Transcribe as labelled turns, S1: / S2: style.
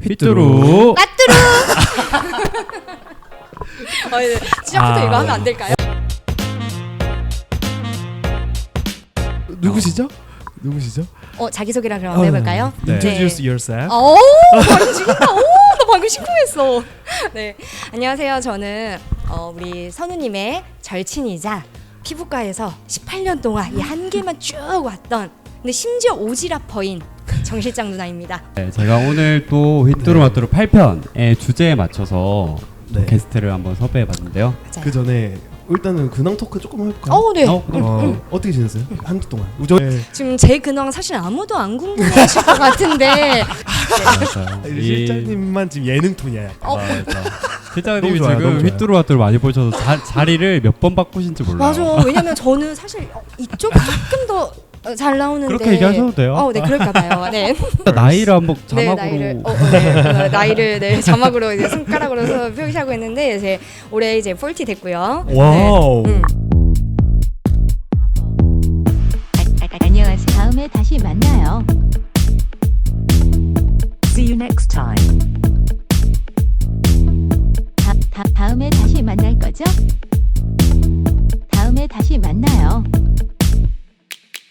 S1: 휘뚜루
S2: 까뚜루. 시작부터 이거 하면 안 될까요?
S3: 누구시죠? 누구시죠?
S2: 자기소개를 그럼 해볼까요?
S1: 네.
S3: Introduce yourself.
S2: 발음 죽인다. 나 방금 심쿵했어. 네, 안녕하세요. 저는 우리 선우님의 절친이자 피부과에서 18년 동안 이 한 개만 쭉 왔던, 근데 심지어 오지랖퍼인 정 실장 누나입니다.
S1: 네, 제가 오늘 또 휘뚜루마뚜루 8편의 주제에 맞춰서 또
S3: 네.
S1: 게스트를 한번 섭외해봤는데요.
S2: 맞아요.
S3: 그 전에 일단은 근황 토크 조금 해볼까요?
S2: 네.
S3: 어떻게 지냈어요? 한주 동안. 우정. 네.
S2: 지금 제 근황 사실 아무도 안 궁금해하실 것 같은데.
S1: 맞아요.
S3: 실장님만 지금 예능 톤이야.
S1: 실장님이
S3: 너무 좋아요,
S1: 지금
S3: 너무 좋아요.
S1: 휘뚜루마뚜루 많이 보셔서 자리를 몇 번 바꾸신지 몰라요.
S2: 맞아. 왜냐면 저는 사실 이쪽이 조금 더 잘 나오는데.
S1: 그렇게 얘기하셔도 돼요.
S2: 네, 그럴까봐요. 네.
S1: 나이를 한번
S2: 네,
S1: 자막으로
S2: 나이를 자막으로 이제 손가락으로 표시하고 있는데 이제 올해 이제 40 됐고요.
S3: 와우.
S2: 네.
S4: 안녕하세요. 다음에 다시 만나요.
S5: See you next time.
S4: 다음에 다시 만날 거죠? 다음에 다시 만나요.